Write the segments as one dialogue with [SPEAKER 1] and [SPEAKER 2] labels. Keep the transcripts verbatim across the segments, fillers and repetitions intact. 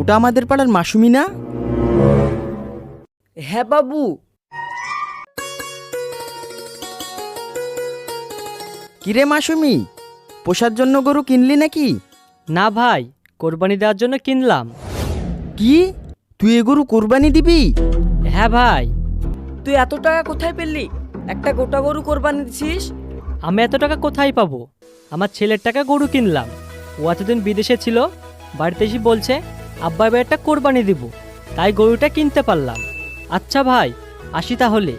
[SPEAKER 1] ওটা আমাদের পাড়ার মাসুমি না?
[SPEAKER 2] হ্যাঁ বাবু।
[SPEAKER 1] কিরে মাসুমি, পোষার জন্য গরু কিনলি নাকি?
[SPEAKER 3] না ভাই, কোরবানি দেওয়ার জন্য কিনলাম।
[SPEAKER 1] কি, তুই এ গরু কোরবানি দিবি?
[SPEAKER 3] হ্যাঁ ভাই।
[SPEAKER 2] তুই এত টাকা কোথায় পেলি? একটা গোটা গরু কোরবানি দিছিস?
[SPEAKER 3] আমি এত টাকা কোথায় পাবো? আমার ছেলের টাকা গরু কিনলাম। ও এতদিন বিদেশে ছিল, বাড়িতে এসে বলছে আব্বা এবার একটা কোরবানি দিব, তাই গরুটা কিনতে পারলাম। আচ্ছা ভাই, আসি তাহলে।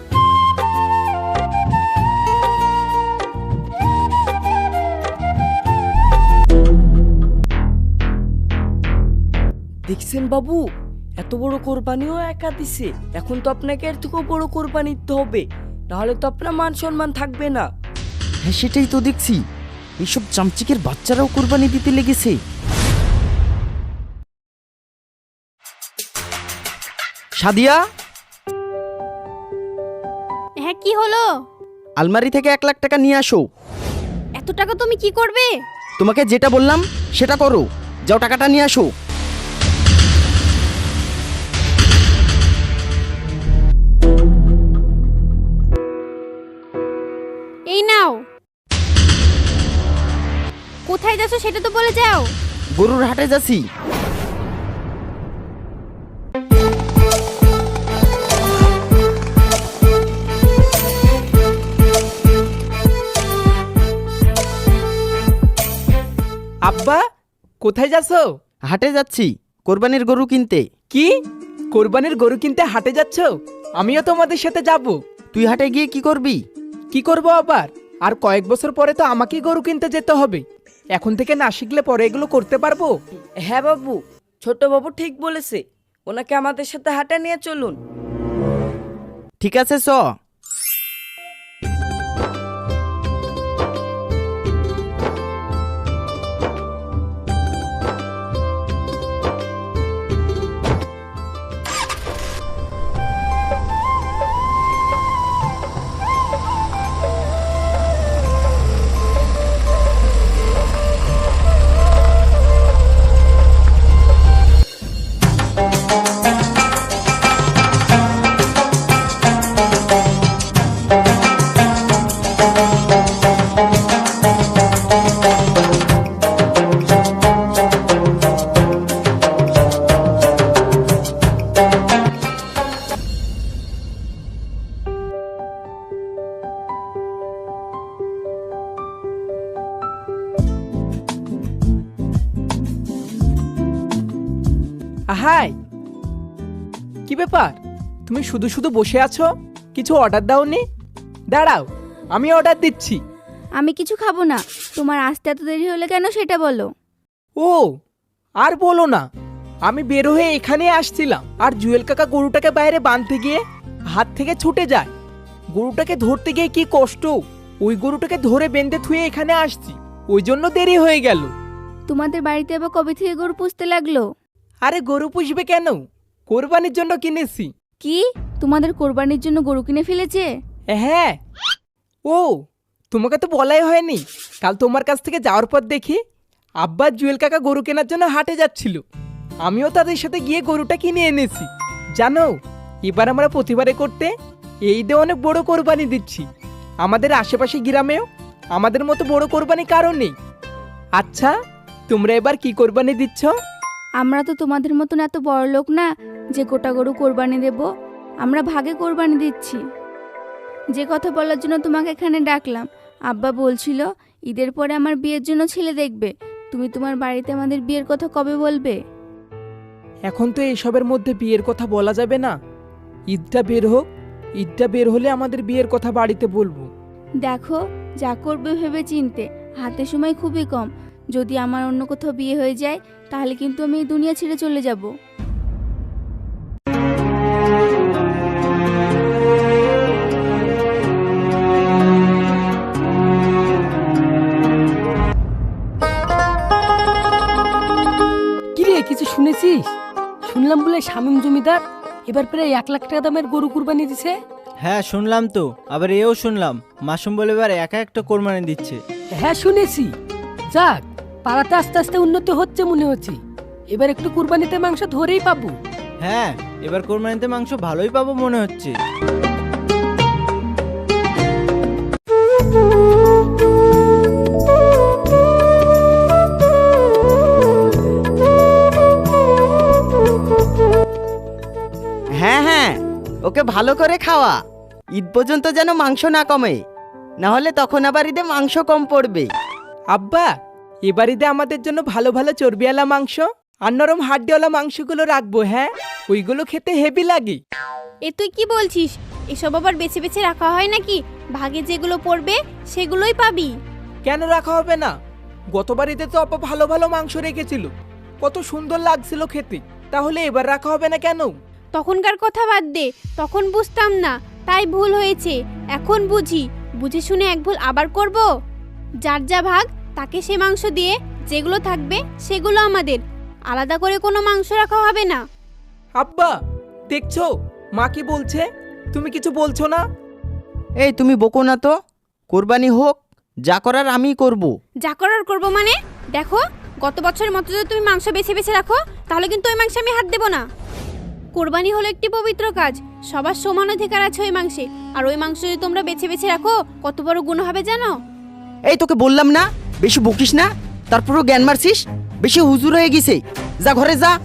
[SPEAKER 2] দেখছেন বাবু, এত বড় কোরবানিও একা দিছে। এখন তো আপনাকে এর থেকেও বড় কোরবানি দিতে হবে, নাহলে তো আপনার মান সম্মান থাকবে না।
[SPEAKER 1] হ্যাঁ সেটাই তো দেখছি, এইসব চামচিকের বাচ্চারাও কোরবানি দিতে লেগেছে। সাদিয়া,
[SPEAKER 4] হ্যাঁ কি হলো?
[SPEAKER 1] আলমারি থেকে এক লাখ টাকা নিয়ে আসো।
[SPEAKER 4] এত টাকা তুমি কি করবে?
[SPEAKER 1] তোমাকে যেটা বললাম সেটা করো, যাও টাকাটা নিয়ে আসো।
[SPEAKER 4] এই নাও। কোথায় যাচ্ছ সেটা তো বলে যাও।
[SPEAKER 1] গরুর হাটে যাচ্ছি।
[SPEAKER 5] আব্বা, কোথায় যাচ্ছো?
[SPEAKER 1] হাটে যাচ্ছি কোরবানির গরু কিনতে।
[SPEAKER 5] কি, কোরবানির গরু কিনতে হাটে যাচ্ছ? আমিও তোমাদের সাথে যাব।
[SPEAKER 1] তুই হাটে গিয়ে কি করবি?
[SPEAKER 5] কি করব আবার? আর কয়েক বছর পরে তো আমাকেই গরু কিনতে যেতে হবে। এখন থেকে না শিখলে পরে এগুলো করতে পারবো?
[SPEAKER 2] হ্যাঁ বাবু, ছোট বাবু ঠিক বলেছে, ওনাকে আমাদের সাথে হাটে নিয়ে চলুন।
[SPEAKER 1] ঠিক আছে চ।
[SPEAKER 5] হাই, কি ব্যাপার? তুমি শুধু শুধু বসে আছো, কিছু অর্ডার দাওনি? দাঁড়াও, আমি অর্ডার দিচ্ছি।
[SPEAKER 4] আমি কিছু খাবো না। তোমার আসতে এত দেরি হলে কেন সেটা বলো।
[SPEAKER 5] ও, আর বলো না, আমি বের হয়ে এখানে আসছিলাম আর জুয়েল কাকা গরুটাকে বাইরে বাঁধতে গিয়ে হাত থেকে ছুটে যায়। গরুটাকে ধরতে গিয়ে কি কষ্ট, ওই গরুটাকে ধরে বেঁধে থুয়ে এখানে আসছি, ওই জন্য দেরি হয়ে গেল।
[SPEAKER 4] তোমাদের বাড়িতে আবার কবে থেকে গরু পুষতে লাগলো?
[SPEAKER 5] আরে গরু পুষবে কেন, কোরবানির জন্য কিনেছি।
[SPEAKER 4] কি, তোমাদের কোরবানির জন্য গরু কিনে ফেলেছে?
[SPEAKER 5] হ্যাঁ। ও, তোমাকে তো বলাই হয়নি, কাল তোমার কাছ থেকে যাওয়ার পর দেখি আব্বা জুয়েল কাকা গরু কেনার জন্য হাটে যাচ্ছিল। আমিও তাদের সাথে গিয়ে গরুটা কিনে এনেছি। জানো, এবার আমরা প্রতিবারে করতে এই দিয়ে অনেক বড় কোরবানি দিচ্ছি। আমাদের আশেপাশে গ্রামেও আমাদের মতো বড় কোরবানি কারো নেই। আচ্ছা, তোমরা এবার কি কোরবানি দিচ্ছ?
[SPEAKER 4] আমরা তো তোমাদের মতন এত বড় লোক না যে গোটা গরু কোরবানি দেব। আমরা ভাগে কোরবানি দিচ্ছি। যে কথা বলার জন্য তোমাকে এখানে ডাকলাম, আব্বা বলছিল ঈদের পরে আমার বিয়ের জন্য ছেলে দেখবে। তুমি তোমার বাড়িতে আমাদের বিয়ের কথা কবে বলবে?
[SPEAKER 5] এখন তো এসবের মধ্যে বিয়ের কথা বলা যাবে না। ঈদটা বের হোক, ঈদটা বের হলে আমাদের বিয়ের কথা বাড়িতে বলবো।
[SPEAKER 4] দেখো, যা করবে ভেবে চিনতে, হাতে সময় খুবই কম। যদি আমার অন্য কোথাও বিয়ে হয়ে যায় তাহলে কিন্তু আমি এই দুনিয়া ছেড়ে চলে যাব।
[SPEAKER 6] কিরে, কিছু শুনেছিস? শুনলাম বলে শামীম জমিদার এবার প্রায় এক লাখ টাকা দামের গরু কুরবানি দিছে।
[SPEAKER 7] হ্যাঁ শুনলাম তো, আবার এও শুনলাম মাসুম বলে এবার একা একটা কোরবানি দিচ্ছে।
[SPEAKER 6] হ্যাঁ শুনেছি। যাক, পাড়াতে আস্তে আস্তে উন্নতি হচ্ছে মনে হচ্ছে। এবার একটু কুরবানিতে মাংস ধরেই পাবো।
[SPEAKER 7] হ্যাঁ, এবার কোরবানিতে মাংস ভালোই পাবো মনে হচ্ছে।
[SPEAKER 1] হ্যাঁ হ্যাঁ, ওকে ভালো করে খাওয়া, ঈদ পর্যন্ত যেন মাংস না কমে, না হলে তখন আবার ঈদে মাংস কম পড়বে।
[SPEAKER 5] আব্বা, এবার ঈদে আমাদের জন্য ভালো ভালো চর্বিওয়ালা মাংস আর নরম হাড্ডিওয়ালা মাংসগুলো রাখবো। হ্যাঁ, ওইগুলো খেতে হেভি লাগে।
[SPEAKER 8] এ তুই কি বলছিস? এসব আবার বেছে বেছে রাখা হয় নাকি? ভাগে যেগুলো পড়বে সেগুলোই পাবি।
[SPEAKER 5] কেন রাখা হবে না? গতবার ঈদে তো আপা ভালো ভালো মাংস রেখেছিল, কত সুন্দর লাগছিল খেতে। তাহলে এবার রাখা হবে না কেন?
[SPEAKER 8] তখনকার কথা বাদ দে, তখন বুঝতাম না, তাই ভুল হয়েছে। এখন বুঝি, বুঝে শুনে এক ভুল আবার করব? যার যা ভাগ তাকে সে মাংস দিয়ে যেগুলো থাকবে সেগুলো আমাদের, আলাদা করে কোনো মাংস রাখা হবে না।
[SPEAKER 5] আব্বা, দেখছো মা কি বলছে? তুমি কিছু বলছো না?
[SPEAKER 1] এই তুমি বকো না তো, কোরবানি হোক, যা করার আমিই করব।
[SPEAKER 8] যা করার করবো মানে? দেখো, গত বছরের মতো যদি তুমি মাংস বেছে বেছে রাখো তাহলে কিন্তু ওই মাংসে আমি হাত দেবো না। কোরবানি হলো একটি পবিত্র কাজ, সবার সমান অধিকার আছে ওই মাংসে। আর ওই মাংস যদি তোমরা বেছে বেছে রাখো কত বড় গুণ হবে জানো?
[SPEAKER 1] এই তোকে বললাম না বেশি বকিস না, তারপরও জ্ঞান মারছিস, বেশি হুজুর হয়ে গেছে, যা ঘরে যা।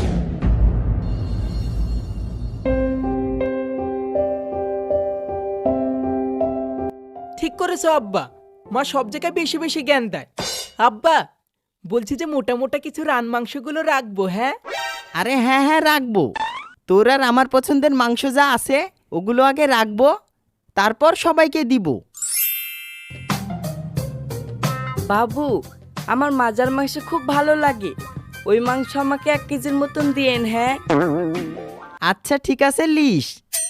[SPEAKER 5] ঠিক করেছো আব্বা, মা সব জায়গায় বেশি বেশি জ্ঞান দেয়। আব্বা, বলছি যে মোটা মোটা কিছু রান মাংসগুলো রাখবো। হ্যাঁ
[SPEAKER 1] আরে হ্যাঁ হ্যাঁ রাখবো, তোর আর আমার পছন্দের মাংস যা আছে ওগুলো আগে রাখবো, তারপর সবাইকে দিব।
[SPEAKER 2] বাবু, আমার মাজার মাংস খুব ভালো লাগে, ওই মাংস আমাকে এক কেজির মতন দিয়েন। হ্যাঁ
[SPEAKER 1] আচ্ছা ঠিক আছে, লিস।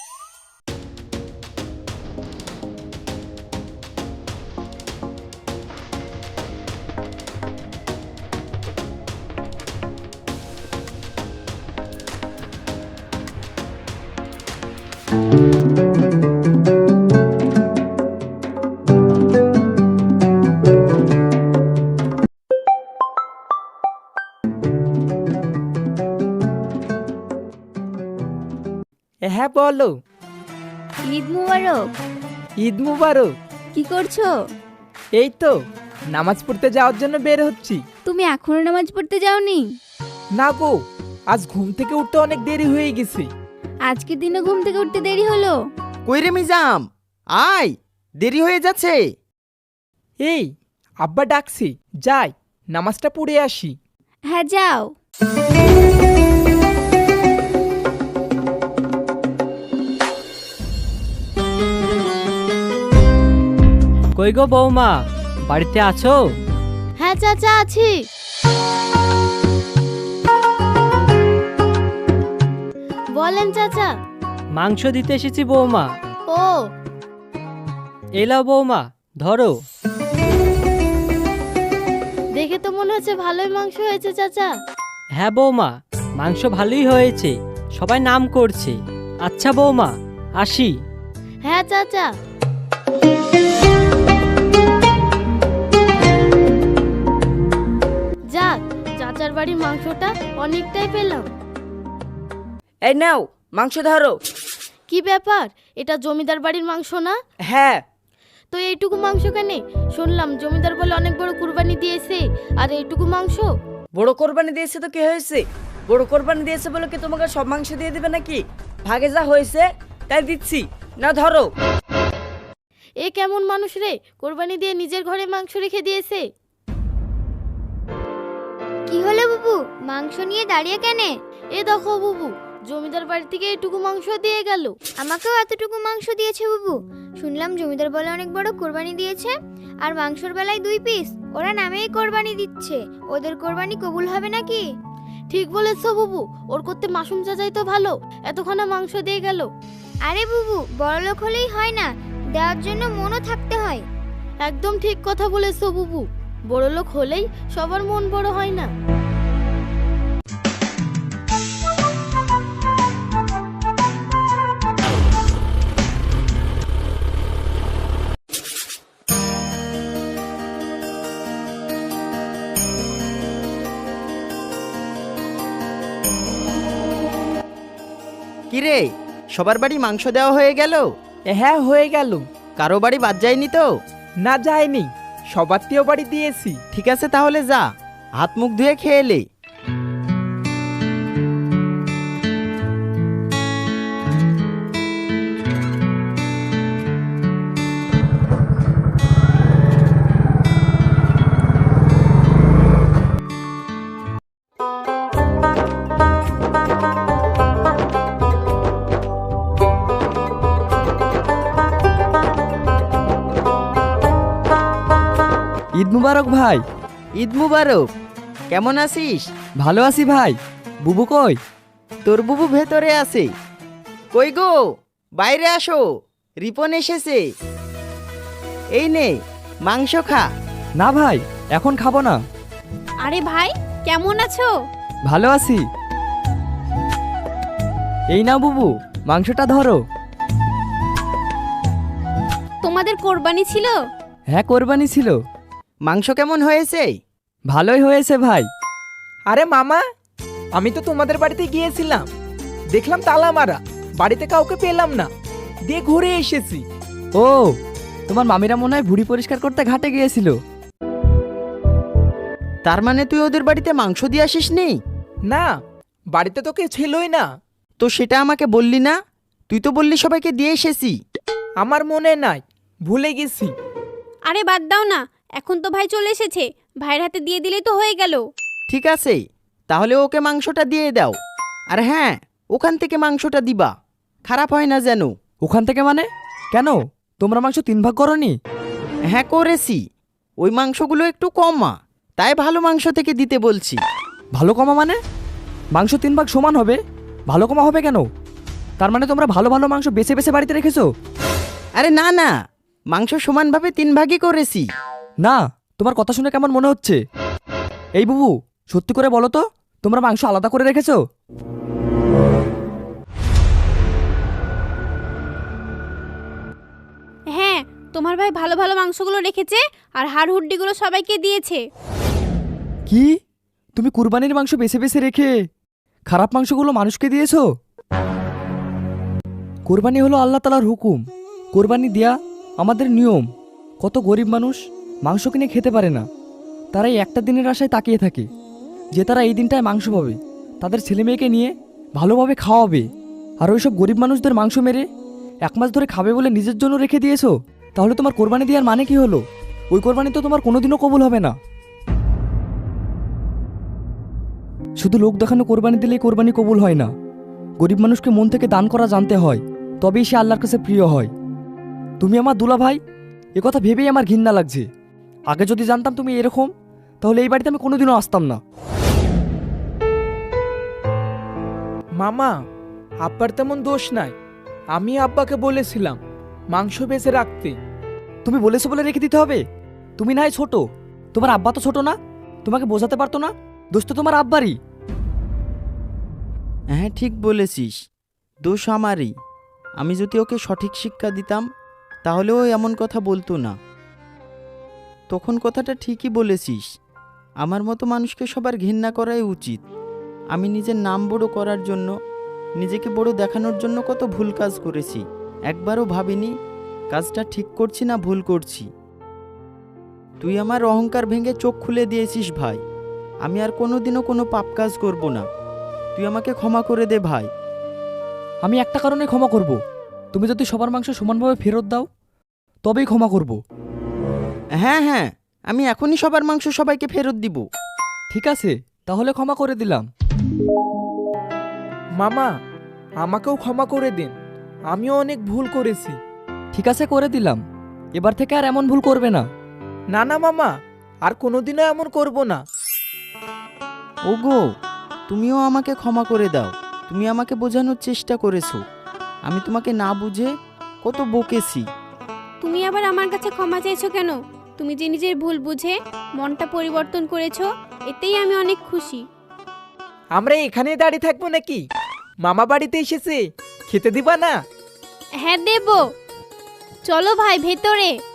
[SPEAKER 5] হ্যাঁ বলো।
[SPEAKER 4] ঈদ মুবারক।
[SPEAKER 5] ঈদ মুবারক।
[SPEAKER 4] কি করছো?
[SPEAKER 5] এই তো নামাজ পড়তে যাওয়ার জন্য বের হচ্ছি।
[SPEAKER 4] তুমি এখনো নামাজ পড়তে যাওনি?
[SPEAKER 5] না গো, আজ ঘুম থেকে উঠতে অনেক দেরি হয়ে গেছে।
[SPEAKER 4] আজকের দিনে ঘুম থেকে উঠতে দেরি হলো?
[SPEAKER 1] কই রে মিজাম, আয়, দেরি হয়ে যাচ্ছে।
[SPEAKER 5] এই আব্বা ডাকছি, যাই নামাজটা পড়ে আসি।
[SPEAKER 4] হ্যাঁ যাও।
[SPEAKER 3] কই গো বৌমা, বাড়িতে আছো?
[SPEAKER 8] হ্যাঁ চাচা, আছি। বলেন চাচা।
[SPEAKER 3] মাংস দিতে এসেছি বৌমা।
[SPEAKER 8] ও,
[SPEAKER 3] এলাও বৌমা, ধরো।
[SPEAKER 8] দেখে তো মনে হচ্ছে ভালোই মাংস হয়েছে চাচা।
[SPEAKER 3] হ্যাঁ বৌমা, মাংস ভালোই হয়েছে, সবাই নাম করছে। আচ্ছা বৌমা, আসি।
[SPEAKER 8] হ্যাঁ চাচা। যাক, চাচার বাড়ির মাংসটা অনেকটাই পেলাম।
[SPEAKER 2] এই নাও মাংস ধরো।
[SPEAKER 8] কি ব্যাপার, এটা জমিদার বাড়ির মাংস না?
[SPEAKER 2] হ্যাঁ।
[SPEAKER 8] তো এইটুকু মাংস কেন? শুনলাম জমিদার বলে অনেক বড় কুরবানি দিয়েছে, আর এইটুকু মাংস?
[SPEAKER 2] বড় কোরবানি দিয়েছে তো কি হয়েছে? বড় কোরবানি দিয়েছে বলে কি তোমাকে সব মাংস দিয়ে দিবে নাকি? ভাগে যা হয়েছে তাই দিচ্ছি, না ধরো।
[SPEAKER 8] এ কেমন মানুষ রে, কোরবানি দিয়ে নিজের ঘরে মাংস রেখে দিয়েছে?
[SPEAKER 9] কি হলো বুবু, মাংস নিয়ে দাঁড়িয়ে কেনে?
[SPEAKER 8] এ দেখো বুবু, জমিদার বাড়ি থেকে এইটুকু মাংস দিয়ে গেল।
[SPEAKER 9] আমাকেও এতটুকু মাংস দিয়েছে বুবু। শুনলাম জমিদার বলে অনেক বড় কোরবানি দিয়েছে, আর মাংসর বেলায় দুই পিস। ওরা নামেই কোরবানি দিচ্ছে, ওদের কোরবানি কবুল হবে নাকি?
[SPEAKER 8] ঠিক বলেছ বুবু, ওর করতে মাসুম চাচাই তো ভালো, এতখানা মাংস দিয়ে গেল।
[SPEAKER 9] আরে বুবু, বড়লোক হলেই হয় না, দেওয়ার জন্য মনও থাকতে হয়।
[SPEAKER 8] একদম ঠিক কথা বলেছ বুবু, বড় লোক হলেই সবার মন বড় হয় না।
[SPEAKER 1] রে, সবার বাড়ি মাংস দেওয়া হয়ে গেল?
[SPEAKER 5] হ্যাঁ হয়ে গেল।
[SPEAKER 1] কারো বাড়ি বাদ যায়নি তো?
[SPEAKER 5] না যায়নি, সবারতেও বাড়ি দিয়েছি।
[SPEAKER 1] ঠিক আছে, তাহলে যা, হাত মুখ ধুয়ে খেয়ে এলে।
[SPEAKER 2] ঈদ মুবারক ভাই।
[SPEAKER 1] ঈদ মুবারক। কেমন আছিস?
[SPEAKER 2] ভালো আছি ভাই। বুবু কই?
[SPEAKER 1] তোর বুবু ভেতরে আছে। কই গো, বাইরে আসো, রিপন এসেছে। এই নে, মাংস খা।
[SPEAKER 2] না ভাই, এখন খাবো না।
[SPEAKER 8] আরে ভাই, কেমন আছো?
[SPEAKER 2] ভালো আছি। এই নাও বুবু, মাংসটা ধরো।
[SPEAKER 8] তোমাদের কোরবানি ছিল?
[SPEAKER 2] হ্যাঁ, কোরবানি ছিল।
[SPEAKER 1] মাংস কেমন হয়েছে?
[SPEAKER 2] ভালোই হয়েছে ভাই।
[SPEAKER 5] আরে মামা, আমি তো তোমাদের বাড়িতে গিয়েছিলাম, দেখলাম তালা মারা, বাড়িতে কাউকে পেলাম না, দিয়ে ঘুরে এসেছি।
[SPEAKER 2] ও, তোমার মামিরা মনে হয় ভুড়ি পরিষ্কার করতে ঘাটে গিয়েছিল।
[SPEAKER 1] তার মানে তুই ওদের বাড়িতে মাংস দিয়ে আসিস নি?
[SPEAKER 5] না, বাড়িতে তো কেউ ছিলই না।
[SPEAKER 1] তো সেটা আমাকে বললি না? তুই তো বললি সবাইকে দিয়ে এসেছি।
[SPEAKER 5] আমার মনে নাই, ভুলে গেছি।
[SPEAKER 8] আরে বাদ দাও না, এখন তো ভাই চলে এসেছে, ভাইয়ের হাতে দিয়ে দিলেই তো হয়ে গেল।
[SPEAKER 1] ঠিক আছে, তাহলে ওকে মাংসটা দিয়ে দাও। আর হ্যাঁ, ওখান থেকে মাংসটা দিবা, খারাপ হয় না যেন।
[SPEAKER 2] ওখান থেকে মানে? কেন, তোমরা মাংস তিন ভাগ করনি?
[SPEAKER 1] হ্যাঁ করেছি, ওই মাংসগুলো একটু কমা, তাই ভালো মাংস থেকে দিতে বলছি।
[SPEAKER 2] ভালো কমা মানে? মাংস তিন ভাগ সমান হবে, ভালো কমা হবে কেন? তার মানে তোমরা ভালো ভালো মাংস বেছে বেছে বাড়িতে রেখেছো?
[SPEAKER 1] আরে না না, মাংস সমানভাবে তিন ভাগই করেছি।
[SPEAKER 2] না, তোমার কথা শুনে কেমন মনে হচ্ছে। এই বুবু, সত্যি করে বলো তো, তোমরা মাংস আলাদা করে রেখেছো?
[SPEAKER 8] হ্যাঁ, তোমার ভাই ভালো ভালো মাংসগুলো রেখেছে আর হাড় হুড্ডিগুলো সবাইকে দিয়েছে।
[SPEAKER 2] কি, তুমি কুরবানির মাংস বেছে বেছে রেখে খারাপ মাংসগুলো মানুষকে দিয়েছো? কোরবানি হলো আল্লাহ তাআলার হুকুম, কোরবানি দেয়া আমাদের নিয়ম। কত গরিব মানুষ মাংস কিনে খেতে পারে না, তারা এই একটা দিনের আশায় তাকিয়ে থাকে যে তারা এই দিনটায় মাংস পাবে, তাদের ছেলে মেয়েকে নিয়ে ভালোভাবে খাওয়াবে। আর ওইসব গরিব মানুষদের মাংস মেরে এক মাস ধরে খাবে বলে নিজের জন্য রেখে দিয়েছো। তাহলে তোমার কোরবানি দেওয়ার মানে কি হলো? ওই কোরবানি তো তোমার কোনোদিনও কবুল হবে না। শুধু লোক দেখানো কোরবানি দিলেই কোরবানি কবুল হয় না, গরিব মানুষকে মন থেকে দান করা জানতে হয়, তবেই সে আল্লাহর কাছে প্রিয় হয়। তুমি আমার দুলা ভাই, একথা ভেবেই আমার ঘৃণা লাগছে। আগে যদি জানতাম তুমি এরকম, তাহলে এই বাড়িতে আমি কোনোদিনও আসতাম না।
[SPEAKER 5] মামা, আব্বার তেমন দোষ নাই, আমি আব্বাকে বলেছিলাম মাংস বেঁচে রাখতে।
[SPEAKER 2] তুমি বলেছো বলে রেখে দিতে হবে? তুমি না হয় ছোট, তোমার আব্বা তো ছোট না, তোমাকে বোঝাতে পারতো না? দোষ তো তোমার আব্বারই।
[SPEAKER 1] হ্যাঁ ঠিক বলেছিস, দোষ আমারই। আমি যদি ওকে সঠিক শিক্ষা দিতাম তাহলে ও এমন কথা বলতো না। তখন কথাটা ঠিকই বলেছিস, আমার মতো মানুষকে সবার ঘৃণা করাই উচিত। আমি নিজের নাম বড় করার জন্য, নিজেকে বড় দেখানোর জন্য কত ভুল কাজ করেছি, একবারও ভাবিনি কাজটা ঠিক করছি না ভুল করছি। তুই আমার অহংকার ভেঙে চোখ খুলে দিয়েছিস ভাই। আমি আর কোনোদিনও কোনো পাপ কাজ করব না, তুই আমাকে ক্ষমা করে দে ভাই।
[SPEAKER 2] আমি একটা কারণে ক্ষমা করব, তুমি যদি সবার মাংস সমানভাবে ফেরত দাও তবেই ক্ষমা করব।
[SPEAKER 1] হ্যাঁ হ্যাঁ, আমি এখনই সবার মাংস সবাইকে ফেরত দিব।
[SPEAKER 2] ঠিক আছে, তাহলে ক্ষমা করে দিলাম।
[SPEAKER 5] মামা, আমাকেও ক্ষমা করে দিন, আমিও অনেক ভুল করেছি।
[SPEAKER 2] ঠিক আছে, করে দিলাম। এবার থেকে আর এমন ভুল করবে না।
[SPEAKER 5] না না মামা, আর কোনোদিনও এমন করব না।
[SPEAKER 1] ওগো, তুমিও আমাকে ক্ষমা করে দাও। তুমি আমাকে বোঝানোর চেষ্টা করেছো, আমি তোমাকে না বুঝে কত বকেছি।
[SPEAKER 8] তুমি আবার আমার কাছে ক্ষমা চাইছো কেন? তুমি যে নিজের ভুল বুঝে মনটা পরিবর্তন করেছো, এতেই আমি অনেক খুশি।
[SPEAKER 5] আমরা এখানেই দাঁড়িয়ে থাকবো নাকি? মামা বাড়িতে এসেছে, খেতে দিবা না?
[SPEAKER 8] হ্যাঁ দেব, চলো ভাই ভেতরে।